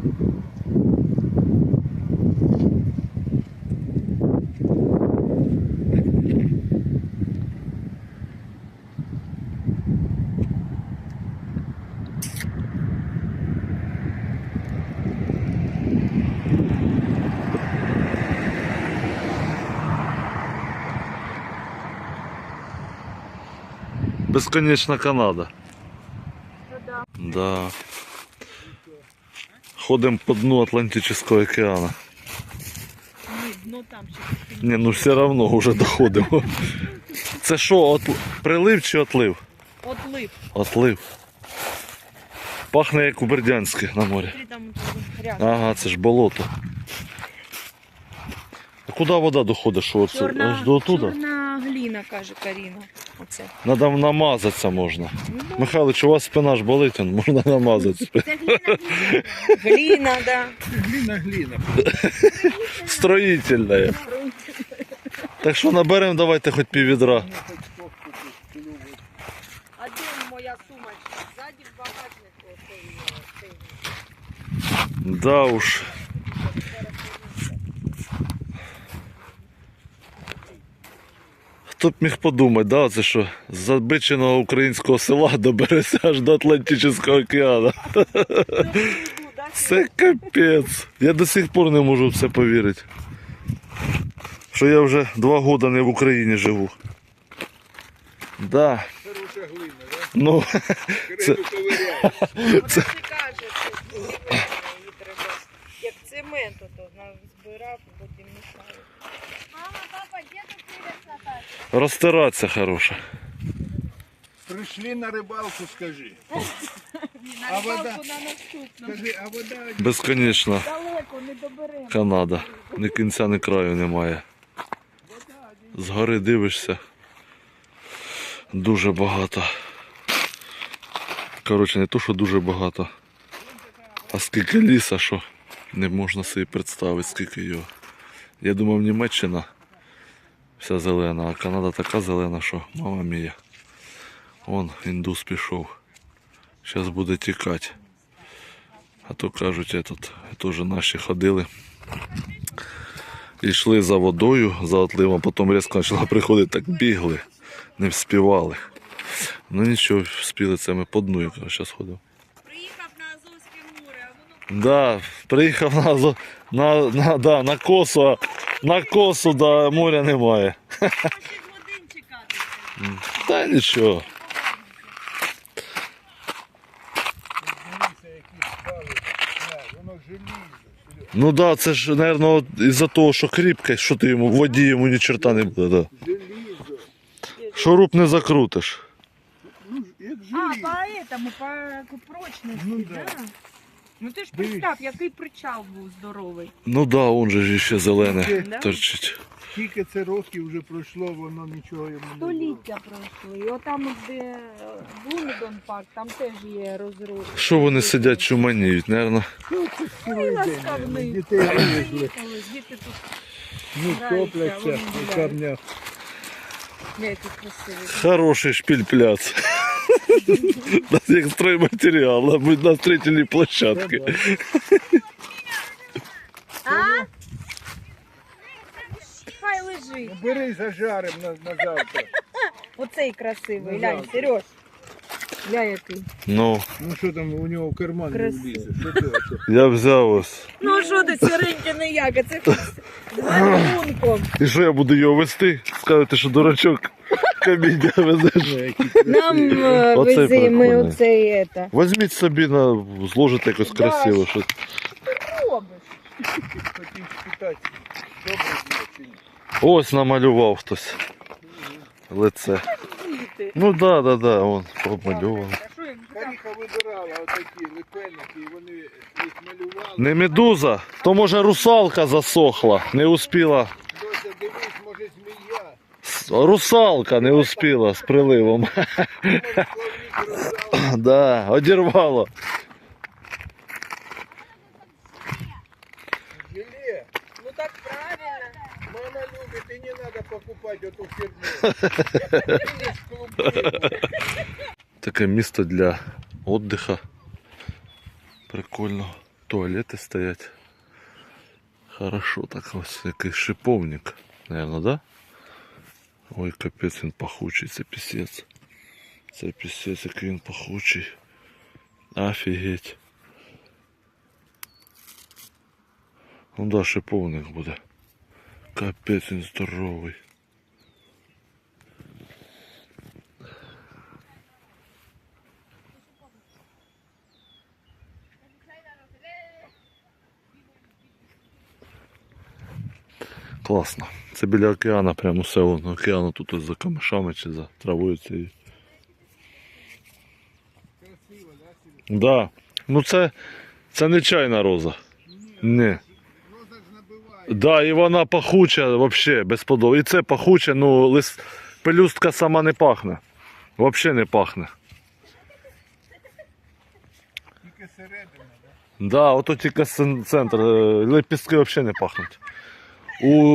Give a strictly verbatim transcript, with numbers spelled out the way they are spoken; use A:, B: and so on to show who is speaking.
A: Бесконечна Канада.
B: Да.
A: Да. Ходимо по дну Атлантичного океана.
B: Ні, дно там ще.
A: Не, ну все одно вже доходимо. Це що, от... прилив чи отлив?
B: Отлив.
A: Отлив. Пахне як у Бердянське на морі.
B: Смотри, там грязно.
A: Ага, це ж болото. А куди вода доходить? Що оце?
B: Чорна,
A: Аж до туди?
B: чорна гліна, каже Каріна. Оце.
A: Надо намазатися можна.
B: Ну,
A: Михайлович, у вас спина ж болить, он, можна намазатися.
B: це гліна, гліна. Гліна, да.
C: Глина, глина.
A: Строїтельна. Так що наберемо, давайте хоч пів відра.
B: А де моя сумочка? Ззаді в багажнику. Цей, цей.
A: Да уж. Хто б міг подумати, да, це що з забиченого українського села добереться аж до Атлантичного океану. Це капець. Я до сих пор не можу в це повірити. Що я вже два роки не в Україні живу. Да.
C: Хороша глина, да?
A: Ну,
C: Криду ковиряєш.
B: Оце ти кажеш, що її треба, як цемент, ото збирав, потім мішаю. Мама, папа, де тут привез Наташа?
A: розтиратися хороша.
C: Прийшли на рибалку, скажи.
B: На
C: А вода?
B: рибалку на наступну.
C: Скажи, а вода
A: Безконечна
B: Далеко, не доберемо.
A: Канада. Ні кінця, ні краю немає. Згори дивишся. Дуже багато. Коротше, не то, що дуже багато. А скільки ліса, що не можна собі представити, скільки його. Я думав, Німеччина вся зелена, а Канада така зелена, що мама мія. Вон індус пішов. Зараз буде тікати. А то кажуть, этот, теж наші ходили. І йшли за водою, за отливом, потім різко почала приходити, так бігли, не вспівали. Ну нічого, вспіли це ми по дну, я зараз ходив.
B: Приїхав на Азовське море, а воно
A: Да, приїхав на, Азо- на, на, да, на косу, а на косу, да, моря немає.
B: шість годин чекати.
A: Та нічого.
C: дивися, які спали. На, воно желізо.
A: Ну да, це ж, мабуть, із-за того, що кріпке, що ти йому, в воді йому ні черта не буде. Да.
C: Желізо.
A: Шуруп не закрутиш.
C: Ну, як
B: А,
C: желізо.
B: по этому, по прочності,
C: Ну,
B: да.
C: да.
B: Ну ти ж
C: Дивись.
B: представ, який причал був здоровий.
A: Ну да, он же ж ще зелене
B: Да?
A: торчить.
C: Скільки це років вже пройшло, воно нічого йому не було.
B: Століття пройшли. І отам, де Блумідон парк, там теж є розрух.
A: Що вони сидять, чуманіють, мабуть.
C: Ну, це цілий день,
B: ласкавний.
C: наверно, дітей вивезли.
B: Діти тут
C: Ну,
B: граються,
C: топляться
B: вони
C: у
B: гуляють.
C: камнях.
B: не які красиві.
A: Хороший шпиль-пляц. Як стройматеріал, мабуть, на строительній площадці.
B: А? Хай лежить.
C: Бери, зажарим на, на завтра.
B: Оцей красивий,
C: Ну,
B: глянь,
C: да.
B: Сереж. Гля який.
A: Ну,
C: Ну що там у нього в карман не
B: Красиво.
C: влізе? Що це оце?
A: я взяв ось.
B: Ну що ти, сіренький не як, а це з гарбунком.
A: І що я буду його вести? Скажете, що дурачок каміння везеш.
C: Ну, які красиві.
B: Нам е,
A: Оцей
B: вези, ми
A: прикольний.
B: оцей это.
A: Візьміть собі, на, зложите якось
B: Да,
A: красиво. Що...
B: Робиш.
C: Хотів спитати, добре було чи ні?
A: Ось намалював хтось. Лице.
B: Діти.
A: Ну да, да, да, он помальовував.
B: А що їм там?
C: Каріха вибирала отакі липенники, і вони їх малювали.
A: Не медуза, то може русалка засохла, не успіла.
C: Дося, дивись, може змія.
A: С- Русалка не успіла з приливом.
C: Може, плавник роздав.
A: Да, одірвало.
C: Желе.
B: Ну так правильно.
C: Мама любит, и не надо покупать эту фирму.
A: Таке місто для відпочинку. Прикольно. туалети стоять. Хорошо так ось якийсь шиповник, наверное, да? Ой, капець, він пахучий, це пісець. Це пісець, який він пахучий. Офігеть. Ну да, шиповник буде. Капець, він здоровий. Класно. Це біля океану, прямо все воно океану тут ось за камешами чи за травою цією.
C: Красиво, да, Серега?
A: Да. Ну це, це не чайна роза. Ні.
C: Роза ж набиває.
A: Да, і вона пахуча вообще безподобно. І це пахуче, ну лист, пелюстка сама не пахне. Вообще не пахне.
C: Тільки середина, да?
A: Да, ото тільки центр, е, лепістки взагалі не пахнуть. У